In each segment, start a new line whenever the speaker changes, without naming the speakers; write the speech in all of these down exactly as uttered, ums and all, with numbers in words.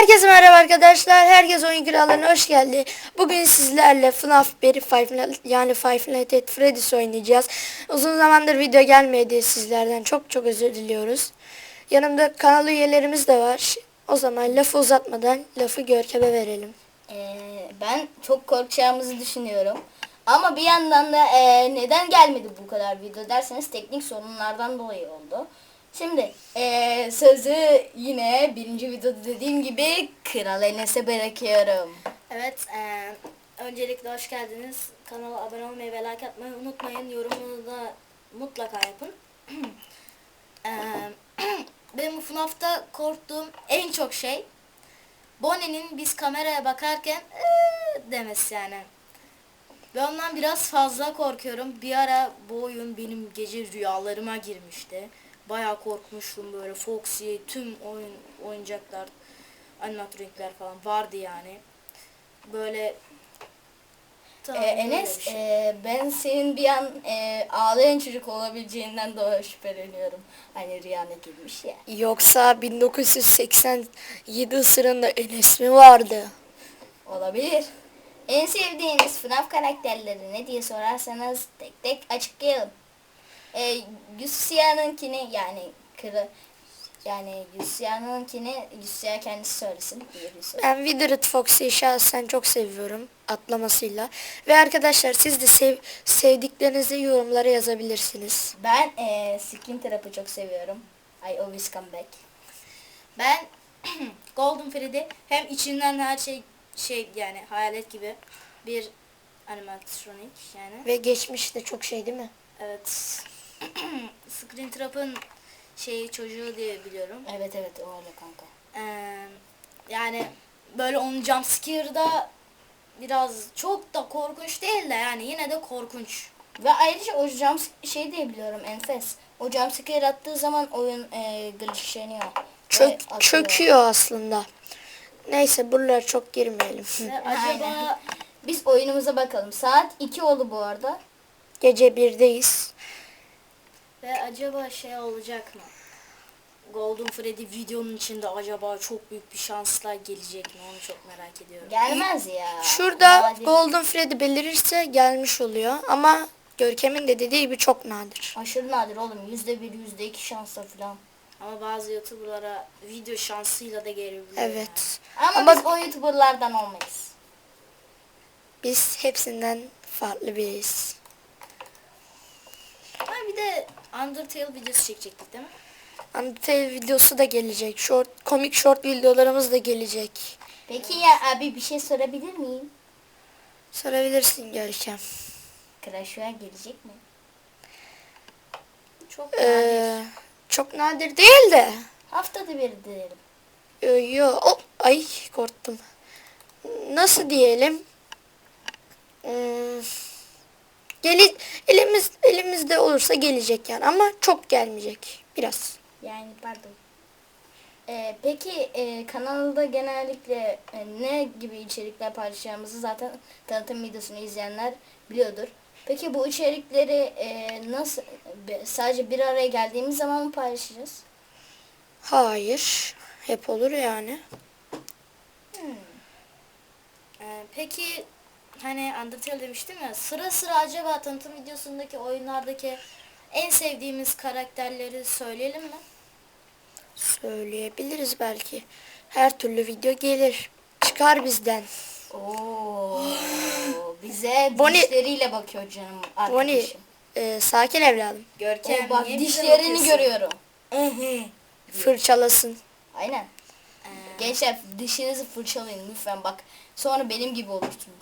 Herkese merhaba arkadaşlar. Herkes Oyun Kralları'na hoş geldi. Bugün sizlerle F NAF Berry Five Nights yani Five Nights at Freddy's oynayacağız. Uzun zamandır video gelmedi sizlerden. Çok çok özür diliyoruz. Yanımda kanal üyelerimiz de var. O zaman lafı uzatmadan lafı Görkem'e verelim.
Ee, ben çok korkacağımızı düşünüyorum. Ama bir yandan da e, neden gelmedi bu kadar video derseniz teknik sorunlardan dolayı oldu. Şimdi e, sözü yine birinci videoda dediğim gibi Kral Enes'e bırakıyorum.
Evet, eee, öncelikle hoş geldiniz. Kanala abone olmayı ve like atmayı unutmayın. Yorumunu da mutlaka yapın. Eee, benim F NAF'ta korktuğum en çok şey Bonnie'nin biz kameraya bakarken "Eee" demesi yani. Ve ondan biraz fazla korkuyorum. Bir ara bu oyun benim gece rüyalarıma girmişti. Bayağı korkmuştum böyle. Foxy, tüm oyun oyuncaklar, animatronikler falan vardı yani. Böyle tamam,
Ee,
böyle
Enes
bir şey.
e, ben senin bir an e, ağlayan çocuk olabileceğinden dolayı şüpheleniyorum. Hani rüyana girmiş ya.
Yoksa bin dokuz yüz seksen yedi ısırında Enes mi vardı?
Olabilir. En sevdiğiniz F NAF karakterleri ne diye sorarsanız tek tek açıklayalım. Ee, Yusia'nınkini yani kırı yani Yusia'nınkini Yusia kendisi söylesin. diye bir söz.
Ben Withered Foxy'yi şahsen çok seviyorum atlamasıyla. Ve arkadaşlar siz de sev sevdiklerinizi yorumlara yazabilirsiniz.
Ben e, Skin Trap'ı çok seviyorum. I always come back.
Ben Golden Freddy hem içinden her şey şey yani hayalet gibi bir animatronik yani.
Ve geçmişte çok şey değil mi?
Evet. Screen Trap'ın şeyi çocuğu diye biliyorum.
Evet evet o öyle kanka.
Ee, yani böyle onun jumpscare'da biraz çok da korkunç değil de yani yine de korkunç.
Ve ayrıca o jump şey diye biliyorum enfes. O jumpscare attığı zaman oyun e, glitchleniyor. Ve
Çök,
atıyor.
çöküyor aslında. Neyse buralara çok girmeyelim.
Ve acaba
Biz oyunumuza bakalım. Saat iki oldu bu arada.
Gece birdeyiz.
ve acaba şey olacak mı? Golden Freddy videonun içinde acaba çok büyük bir şansla gelecek mi? Onu çok merak ediyorum.
Gelmez ya.
Şurada
Nadir.
Golden Freddy belirirse gelmiş oluyor. Ama Görkem'in de dediği gibi çok nadir.
Aşırı nadir oğlum. Yüzde bir, yüzde iki şansla falan.
Ama bazı YouTuber'lara video şansıyla da gelebiliyor.
Evet.
Ama,
Ama
biz o YouTuber'lardan olmayız.
biz hepsinden farklı biriyiz.
Yani. Ha bir de Undertale videosu çekecektik değil mi?
Undertale videosu da gelecek. Short, komik short videolarımız da gelecek.
Peki ya abi bir şey sorabilir miyim?
Sorabilirsin Görkem.
Crash Royale gelecek mi?
Çok nadir.
Ee, çok nadir değil de.
Haftada bir diyelim.
Yo, yo. Oh, ay korktum. Nasıl diyelim? Hmm, geli, elimiz elimizde olursa gelecek yani ama çok gelmeyecek biraz.
Yani pardon. Ee, peki e, kanalda genellikle e, ne gibi içerikler paylaşacağımızı zaten tanıtım videosunu izleyenler biliyordur. Peki bu içerikleri e, nasıl be- sadece bir araya geldiğimiz zaman mı paylaşacağız?
Hayır. Hep olur yani.
Ee, peki hani Undertale demiştim ya, sıra sıra acaba tanıtım videosundaki oyunlardaki en sevdiğimiz karakterleri söyleyelim mi?
Söyleyebiliriz belki. Her türlü video gelir. Çıkar bizden.
Oo, bize
Bonnie-
dişleriyle bakıyor canım
Bonnie,
arkadaşım.
e, sakin evladım.
Görkem
Oo, bak
niye bize
dişlerini
bakıyorsun?
görüyorum.
Fırçalasın.
Aynen. Gençler dişinizi fırçalayın lütfen bak. Sonra benim gibi olursunuz.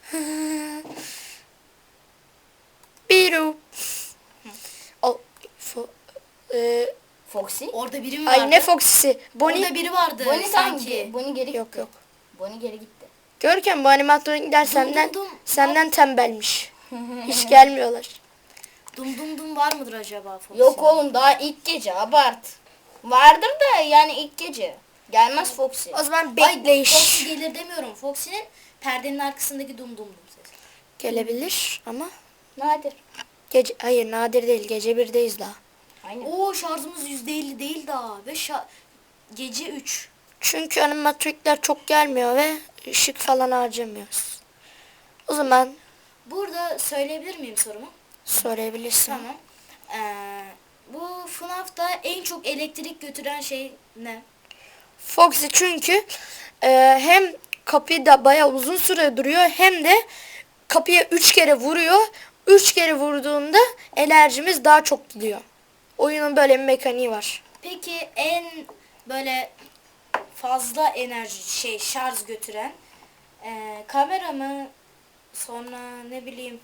Biru. O, fo, e,
Foxy?
Orada biri mi vardı?
ay ne Foxy'si. Bonnie.
Orada biri vardı
Bonnie tam
sanki.
Bonnie geri gitti.
Yok yok.
Bonnie geri gitti.
Görkem bu animatronikler senden
dum dum.
senden tembelmiş. Hiç gelmiyorlar.
Dum dum dum var mıdır acaba Foxy?
Yok oğlum daha ilk gece abart. Vardır da yani ilk gece. Gelmez Foxy.
O zaman
Ay,
bekleyiş.
Foxy gelir demiyorum. Foxy'nin perdenin arkasındaki dum dum dum sesi.
Gelebilir ama
Nadir.
gece hayır nadir değil. Gece birdeyiz daha.
Aynen.
Oo şarjımız yüzde elli değil daha ve şa- gece üç.
Çünkü animatrikler çok gelmiyor ve ışık falan harcamıyoruz. O zaman
Burada söyleyebilir miyim sorumu?
sorabilirsin.
Tamam. Ee, bu F NAF'ta en çok elektrik götüren şey ne?
Foxy çünkü e, hem kapıda bayağı uzun süre duruyor hem de kapıya üç kere vuruyor. Üç kere vurduğunda enerjimiz daha çok gidiyor. Oyunun böyle bir mekaniği var.
Peki en böyle fazla enerji şey şarj götüren ee, kamera mı? Sonra ne bileyim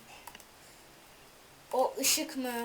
o ışık mı?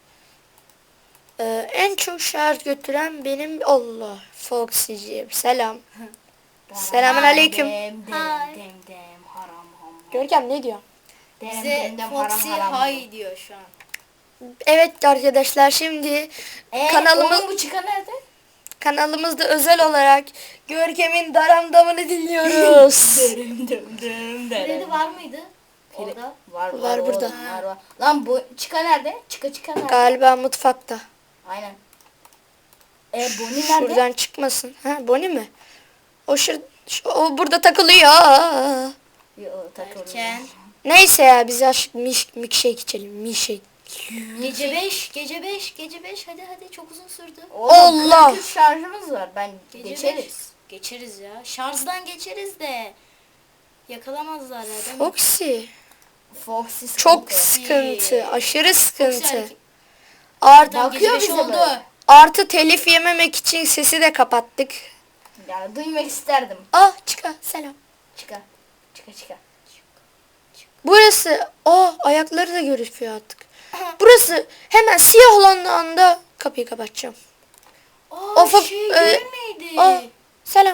E, en çok şarj götüren benim Allah Foxy'ciğim. Selam. Selamun aleyküm.
Dem dem
Hi.
dem dem haram ham.
Görkem ne diyor?
Dem
Bize
dem dem haram
Foxy
haram.
hay diyor şu an.
Evet arkadaşlar şimdi
Ee,
kanalımız
onun bu çıkan nerede?
kanalımızda özel olarak Görkem'in daramdamını dinliyoruz.
Dem dem dem
Freddy var mıydı? Orada.
Var, var,
Var burada.
oğlum, Var, var. Lan bu çıka nerede? Çıka çıka nerede?
Galiba mutfakta.
Aynen. E Bonnie nerede?
Şuradan çıkmasın. Ha Bonnie mi? O şur şu- o burada takılıyor.
Yo, takılıyor.
Erken.
Neyse ya biz aşk miş milkshake içelim. Milkshake.
Gece beş, gece beş, gece beş. Hadi hadi çok uzun sürdü.
Oğlum,
Allah!
kırk üç şarjımız var. Ben
Gece
geçeriz.
beş. Geçeriz ya. Şarjdan geçeriz de. Yakalamazlar ya değil mi?
Foxy.
Foxy
Çok
sıkıntı.
sıkıntı. Aşırı sıkıntı.
hareket-
Artı,
Tam
Bakıyor
gece beş
bize
oldu.
böyle.
artı telif yememek için sesi de kapattık.
Ya duymak isterdim.
Ah çıka selam.
Çıka. Çıka çıka.
Burası oh ayakları da gözüküyor artık. Burası hemen siyahlandığı anda kapıyı kapatacağım.
Aa
Of, of,
şey
e,
değil miydi?
Ah selam.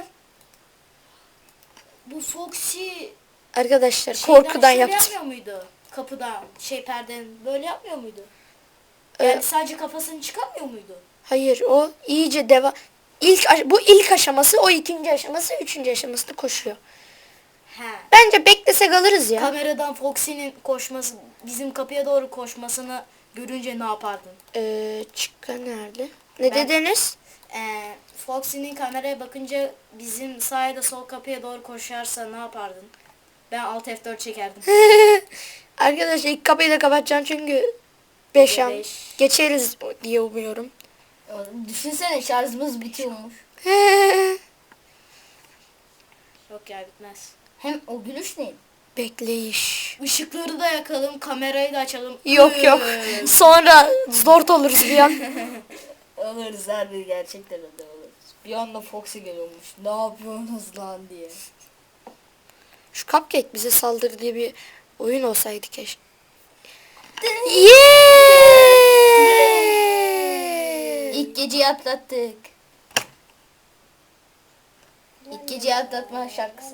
Bu Foxy
Arkadaşlar
şeyden
korkudan
şöyle
yaptım.
yapmıyor muydu? Kapıdan şey perden böyle yapmıyor muydu?
Ee,
Yani sadece kafasını çıkarmıyor muydu?
Hayır o iyice devam. İlk aş- bu ilk aşaması, o ikinci aşaması, üçüncü aşaması da koşuyor.
He.
Bence beklesek alırız ya.
Kameradan Foxy'nin koşması, bizim kapıya doğru koşmasını görünce ne yapardın?
Ee, çıka nerede? Ne
Ben-
dediniz?
Ee, Foxy'nin kameraya bakınca bizim sağ ya da sol kapıya doğru koşarsa ne yapardın? Ben Alt F dört çekerdim.
Arkadaşlar ilk kapıyı da kapatacağım çünkü beş an
beş.
geçeriz diye umuyorum.
Oğlum, düşünsene şarjımız bitiyormuş.
Yok ya bitmez.
Hem o gülüş neydi?
Bekleyiş.
Işıkları da yakalım, kamerayı da açalım.
Yok yok.
Üf.
Sonra zor oluruz bir an.
Oluruz harbi gerçekten de oluruz. Bir anda Foxy geliyormuş. Ne yapıyorsunuz lan diye.
Şu Cupcake bize saldırı diye bir oyun olsaydı keşke. Yeah!
İlk geceyi atlattık. İlk geceyi atlatma şarkısı.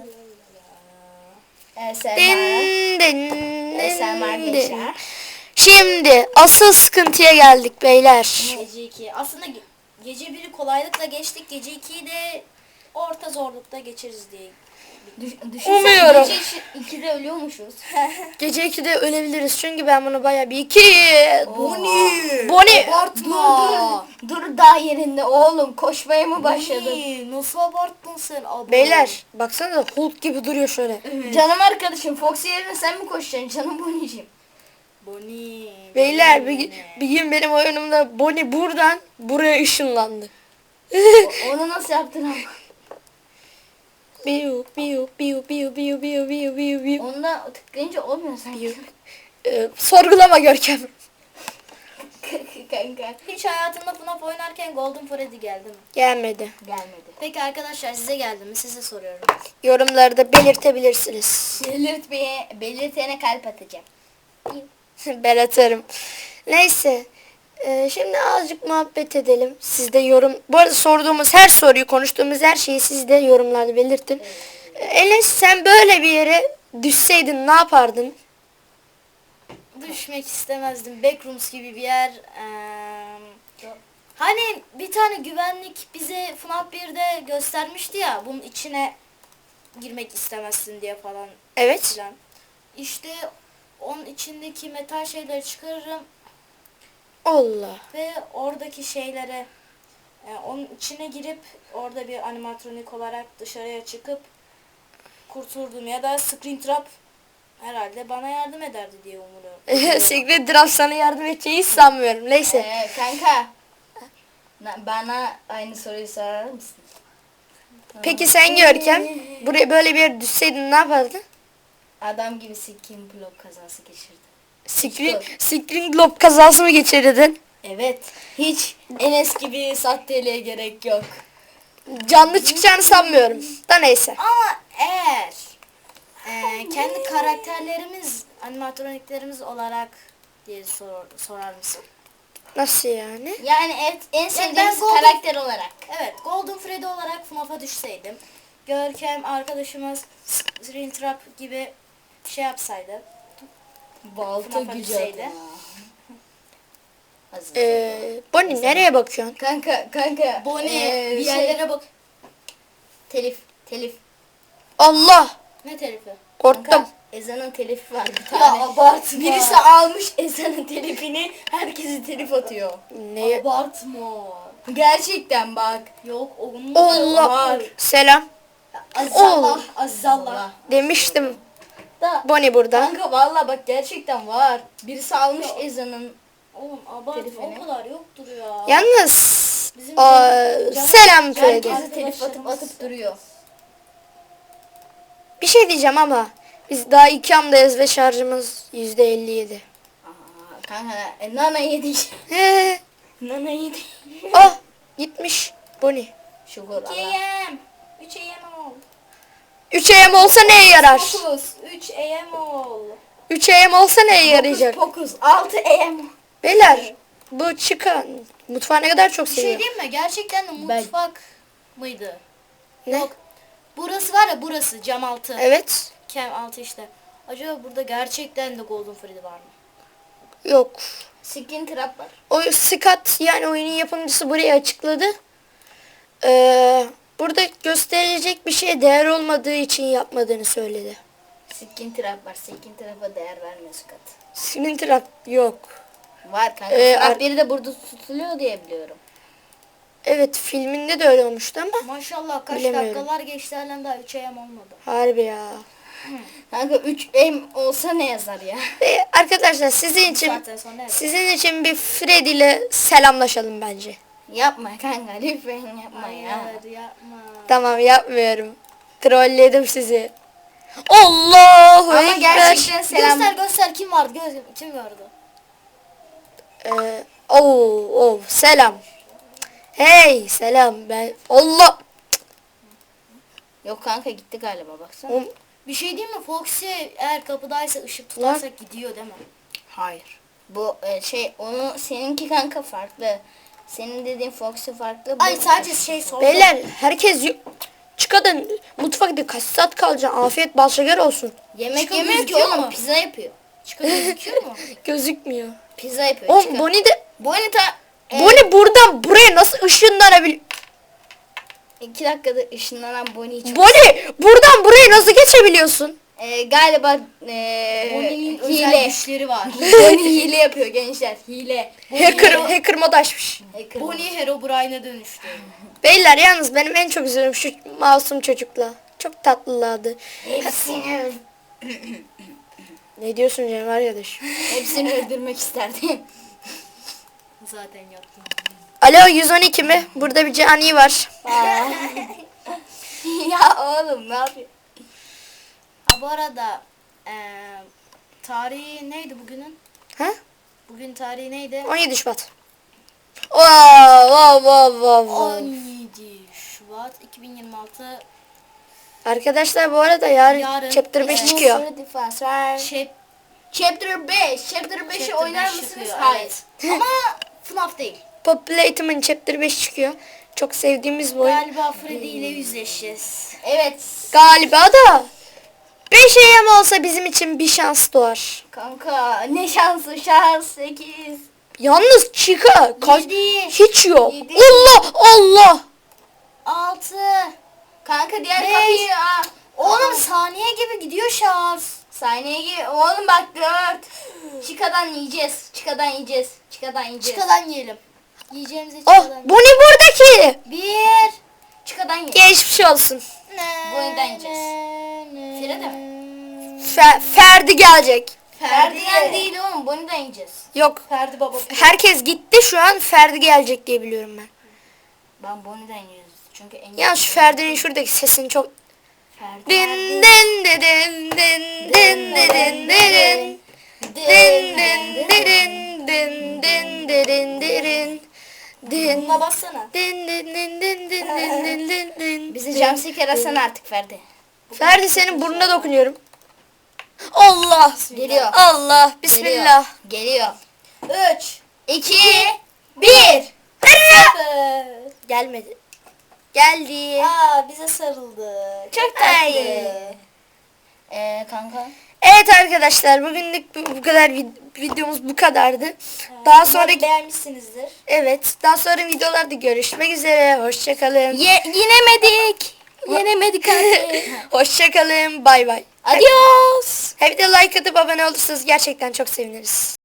Eser
Din, din,
Eser
din,
arkadaşlar.
din. Şimdi asıl sıkıntıya geldik beyler.
Gece iki. Aslında ge- gece biri kolaylıkla geçtik. Gece ikiyi de orta zorlukta geçeriz diye.
Düş, düşünsene
Umuyorum.
gece işi- ikide ölüyormuşuz.
Gece ikide ölebiliriz çünkü ben bunu bayağı bir iki...
Bonnie!
Bonnie!
Abartma!
Dur, dur daha yerinde oğlum koşmaya mı başladın?
Bonnie, nasıl abarttın sen? Abo.
Beyler baksana Hulk gibi duruyor şöyle.
Canım arkadaşım Foxy yerine sen mi koşacaksın canım Bonnie'cim?
Bonnie.
Beyler bir,
Bonnie.
bir gün benim oyunumda Bonnie buradan buraya ışınlandı.
O- Onu nasıl yaptın ama?
Biu biu biu biu biu biu biu biu biu.
Onda tıklayınca olmuyor sanki.
Ee, sorgulama Görkem.
Kanka.
Hiç hayatında F NAF oynarken Golden Freddy geldi mi?
Gelmedi.
Gelmedi.
Peki arkadaşlar size geldi mi? Size soruyorum.
Yorumlarda belirtebilirsiniz.
Belirtmeye, belirtene kalp atacağım.
Ben atarım. Neyse. Ee, şimdi azıcık muhabbet edelim. Siz de yorum... Bu arada sorduğumuz her soruyu, konuştuğumuz her şeyi siz de yorumlarda belirtin. Ee, Enes sen böyle bir yere düşseydin ne yapardın?
Düşmek istemezdim. Backrooms gibi bir yer. Eee, hani bir tane güvenlik bize F NAF birde göstermişti ya. Bunun içine girmek istemezsin diye falan
Evet.
filan. İşte onun içindeki metal şeyleri çıkarırım
Allah.
ve oradaki şeylere e, onun içine girip orada bir animatronik olarak dışarıya çıkıp kurtuldum ya da Springtrap herhalde bana yardım ederdi diye umuyorum.
Secret Draft sana yardım edeceği hiç sanmıyorum. Neyse.
Ee, kanka. na- Bana aynı soruyu sorar mısın?
Peki sen Görkem buraya böyle bir yere düşseydin ne yapardın?
Adam gibi skin blok kazası geçirdi.
Screen, Screen Globe kazası mı geçirirdin?
Evet. Hiç Enes gibi sahteliğe gerek yok.
Canlı çıkacağını sanmıyorum. Da neyse.
Ama eğer e, kendi karakterlerimiz, animatroniklerimiz olarak diye sor, sorar mısın?
Nasıl yani?
Yani en, en
ben
sevdiğimiz
Golden-
karakter olarak.
Evet, Golden Freddy olarak F NAF'a düşseydim, Görkem arkadaşımız Springtrap gibi şey yapsaydı,
Balta
FNAF'a
gücü
düşseydi.
adına. Hazır.
Ee, Bonnie nereye bakıyorsun?
Kanka kanka.
Bonnie
ee,
bir
şey,
yerlere bak.
telif telif.
Allah!
Ne telifi?
Korktum.
Kanka, ezanın telifi var bir
Ya
tane.
abartma.
Birisi almış ezanın telifini, herkesi telif atıyor.
Ne?
Abartma.
Gerçekten bak.
Yok onun
Allah!
Var.
Selam.
Azizallah.
Ol.
Azizallah.
Demiştim.
Da.
Bonnie burada.
Kanka valla bak gerçekten var. Birisi almış ezanın.
Oğlum abartma,
Telifini.
o kadar yoktur ya.
Yalnız
Bizim
aa,
can-
selam Freddy.
Herkesi telif atıp
Arkadaşlarımız-
atıp duruyor.
Bir şey diyeceğim ama biz daha iki amdayız ve şarjımız yüzde elli yedi.
Aa, kanka e, nana yedik.
He.
Nana yedik.
Ah gitmiş Bonnie.
Şükür
üç
Allah.
A M üç A M ol.
üç A M olsa neye yarar?
Fokus. üç A M ol.
üç A M olsa neye yarayacak?
Pokus altı A M.
Beyler bu çıkan mutfağı ne kadar çok
Bir şey
seviyorum.
diyeyim mi? Gerçekten de
Ben-
mutfak mıydı?
Ne?
Yok. Burası var ya, burası cam altı.
Evet.
Kem altı işte. Acaba burada gerçekten de Golden Freddy var mı?
Yok.
Skin trap var.
O Scott yani oyunun yapımcısı burayı açıkladı. Ee, burada gösterilecek bir şeye değer olmadığı için yapmadığını söyledi.
Skin trap var. Skin trap'a değer vermiyor Scott.
Splinter yok.
Var kanka.
Ee,
Ee,
ar-
biri de burada tutuluyor diye biliyorum.
Evet filminde de öyle olmuştu ama
Maşallah kaç
Bilemiyorum.
dakikalar geçti halen daha üç A M olmadı.
harbi ya.
Kanka üç M olsa ne yazar ya?
Ve arkadaşlar sizin için
Zaten sonra evet.
sizin için bir Freddy ile selamlaşalım bence.
Yapma kanka lütfen yapma ya.
Hayır yapma.
Tamam yapmıyorum. Trolledim sizi. Allahu
Ama
Ekber.
gerçekten selam.
Göster göster, kim vardı? Göz, kim vardı?
Ee, oh, oh, selam. Hey selam ben. Allah.
Yok kanka gitti galiba baksana.
Oğlum,
Bir şey diyeyim mi? Foxy eğer kapıdaysa ışık tutarsak gidiyor değil mi?
Hayır. Bu e, şey onu seninki kanka farklı. Senin dediğin Foxy farklı. bu-
Ay sadece şey sordum.
Beyler herkes y- çıkadın mutfakta kaç saat kalacaksın? Afiyet bal şeker olsun.
Yemek
Çıkın
yemiyor ki
gözüküyor
oğlum
mu?
pizza yapıyor.
Çıkıp gözüküyor mu?
Gözükmüyor.
Pizza yapıyor.
Oğlum
çıkar.
Bonnie de
Bonnie ta e,
Bonnie buradan buraya nasıl ışınlanabiliyor?
iki dakikada ışınlanan Bonnie'yi çok...
Bonnie buradan buraya nasıl geçebiliyorsun?
E, galiba e,
Bonnie'nin özel
hile.
güçleri var.
Bonnie hile yapıyor gençler. Hile.
Hacker, hacker mod açmış.
Hacker.
Bonnie Herobrine'e dönüştü.
Beyler yalnız benim en çok üzüldüğüm şu masum çocukla. Çok tatlılardı.
Hepsini, öl-
Ne diyorsun Cem arkadaş?
hepsini öldürmek isterdim.
Zaten yaptım.
Alo yüz on iki mi? Burada bir cani var.
Ya oğlum ne yapıyor?
Ha bu arada eee tarihi neydi bugünün?
Ha?
Bugün tarihi neydi?
on yedi Şubat. Wow, wow, wow, wow,
on
wow.
yedi Şubat iki bin yirmi altı.
Arkadaşlar bu arada yarın,
Yarın,
chapter beş
evet.
çıkıyor.
Şey,
Chapter beş. Chapter beşi
Chapter
oynar
beş
mısınız?
çıkıyor,
Hayır.
evet. Ama F NAF değil.
Populate'ımın chapter beş çıkıyor. Çok sevdiğimiz bu oyun.
Galiba Freddy ile yüzleşeceğiz.
Evet.
Galiba da beş A M olsa bizim için bir şans doğar.
Kanka ne şansı şans sekiz.
Yalnız Chica kaç
Yedi.
hiç yok.
Yedi.
Allah Allah.
altı.
Kanka diğer
Beş.
kapıyı aa.
Oğlum saniye gibi gidiyor şans.
Sahneye gir. Oğlum bak dört. Çıkadan yiyeceğiz. Çıkadan yiyeceğiz. Çıkadan yiyeceğiz.
Çıkadan yiyelim. Yiyeceğimizi
Oh,
çıkadan.
Bonnie buradaki.
Bir. Çıkadan ye.
Geçmiş olsun.
Bonnie'den yiyeceğiz. Fire de mi?
Fe- Ferdi gelecek.
Ferdi'den değil oğlum. Bonnie'den yiyeceğiz.
Yok.
Ferdi baba.
Herkes gitti, şu an Ferdi gelecek diye biliyorum ben.
Ben Bonnie'den yiyoruz. Çünkü en
Ya şu Ferdi'nin şuradaki sesini çok...
Ferdi.
Din din din din din din din din din. Din din din din din din din. Din
Buna bassana.
din din din din din din din din din.
Bizi jumpscare atsana artık Ferdi.
Ferdi senin burnuna dokunuyorum. Allah.
Geliyor.
Allah. Bismillah.
Geliyor.
Üç.
İki. Bir.
Gelmedi. Geldi.
Aa bize sarıldı. Çok
Ay.
tatlı.
Ee, kanka.
Evet arkadaşlar, bugünlük bu, bu kadar vid- videomuz bu kadardı. Daha
Umarım
sonraki
beğenmişsinizdir.
evet, daha sonra videolarda görüşmek üzere. Hoşçakalın.
Ye yenemedik. Yenemedik abi.
Hoşçakalın. Bay bay.
Adios.
Hem de like atıp abone olursanız gerçekten çok seviniriz.